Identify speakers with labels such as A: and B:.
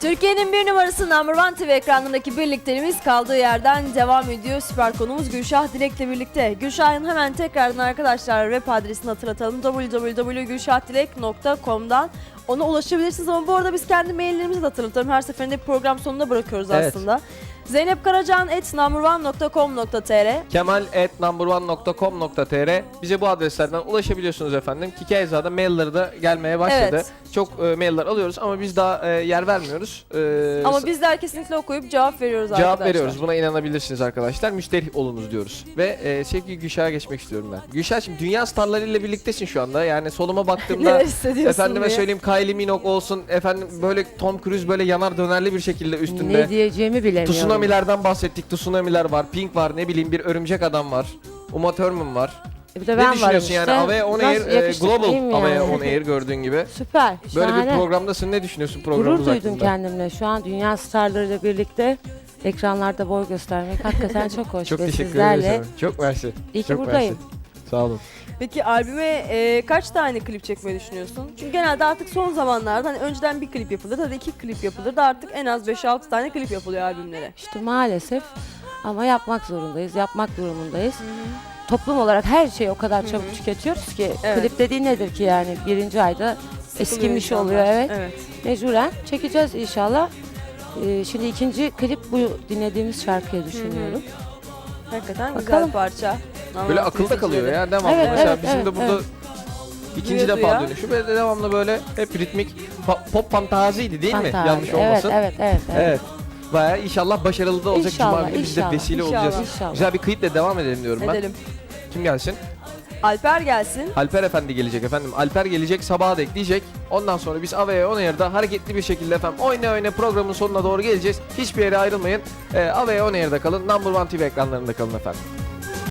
A: Türkiye'nin bir numarası Number One TV ekranındaki birlikteliğimiz kaldığı yerden devam ediyor. Süper konumuz Gülşah Dilek'le birlikte. Gülşah'ın hemen tekrardan arkadaşlar web adresini hatırlatalım. www.gülşahdilek.com'dan ona ulaşabilirsiniz ama bu arada biz kendi maillerimizi de hatırlatalım. Her seferinde program sonunda bırakıyoruz aslında. zeynepkaracan@numberone.com.tr
B: kemal@numberone.com.tr Bize bu adreslerden ulaşabiliyorsunuz efendim. Kikayeza'da mailleri de gelmeye başladı.
A: Evet.
B: Çok mailler alıyoruz ama biz daha yer vermiyoruz.
A: Ama bizler kesinlikle okuyup cevap veriyoruz
B: cevap
A: arkadaşlar.
B: veriyoruz. Buna inanabilirsiniz arkadaşlar. Müşteri olunuz diyoruz. Ve sevgili Gülşah'a geçmek istiyorum ben. Gülşah, şimdi dünya starlarıyla birliktesin şu anda. Yani soluma baktığımda
A: Neler hissediyorsun
B: efendime
A: diye.
B: söyleyeyim Kylie Minogue olsun. Efendim böyle Tom Cruise böyle yanar dönerli bir şekilde üstünde.
C: Ne diyeceğimi bilemiyorum.
B: Tsunami'lerden bahsettik. Tsunami'ler var. Pink var. Ne bileyim bir örümcek adam var. Uma Thurman var.
C: Bir de
B: Ne
C: ben varım
B: düşünüyorsun
C: işte.
B: yani? Avaya On
C: Nasıl
B: Air,
C: yakışıklıyım
B: Global
C: yani.
B: Avaya On Air gördüğün gibi.
C: Süper.
B: Böyle
C: şahane.
B: bir programdasın. Ne düşünüyorsun programımız
C: Gurur duydum
B: hakkında?
C: kendimle. Şu an dünya starlarıyla birlikte ekranlarda boy göstermek hakikaten çok hoş.
B: Çok
C: Ve
B: teşekkür
C: sizlerle
B: ederim. Çok mersi.
C: İyi ki
B: Çok
C: buradayım.
B: mersi. Sağ olun.
A: Peki albüme kaç tane klip çekmeyi düşünüyorsun? Çünkü genelde artık son zamanlarda hani önceden bir klip yapılır ya da 2 klip yapılır da artık en az 5-6 tane klip yapılıyor albümlere.
C: İşte maalesef ama yapmak zorundayız. Yapmak durumundayız. Toplum olarak her şeyi o kadar çabuk tüketiyoruz ki
A: Evet.
C: klip dediğin nedir ki yani birinci ayda eskimiş
A: insanlar.
C: oluyor, evet.
A: Evet.
C: Mecburen çekeceğiz inşallah. Şimdi ikinci klip bu dinlediğimiz şarkıya düşünüyorum.
A: Hakikaten güzel
C: Bakalım.
A: parça.
B: Böyle
A: Anlamak
B: akılda kalıyor
A: izleyicileri.
B: ya devamlı.
C: Evet,
B: Mesela
C: evet,
B: bizim
C: evet,
B: de burada
C: evet.
B: ikinci
A: Duya
B: defa
A: duya.
B: dönüşü ve devamlı böyle hep ritmik pop fantaziydi değil mi?
C: Fantazi.
B: Yanlış olmasın.
C: Evet.
B: Evet. Bayağı inşallah başarılı da olacak.
C: İnşallah,
B: Cuma günü biz de
C: inşallah.
B: vesile
A: İnşallah.
B: olacağız.
C: İnşallah.
B: Güzel bir kliple devam edelim diyorum ben.
A: Edelim.
B: Kim gelsin?
A: Alper gelsin.
B: Alper Efendi gelecek efendim. Alper gelecek, sabaha da ekleyecek. Ondan sonra biz Avaya On Air'da hareketli bir şekilde efendim oyna programın sonuna doğru geleceğiz. Hiçbir yere ayrılmayın. Avaya On Air'da kalın. Number One TV ekranlarında kalın efendim.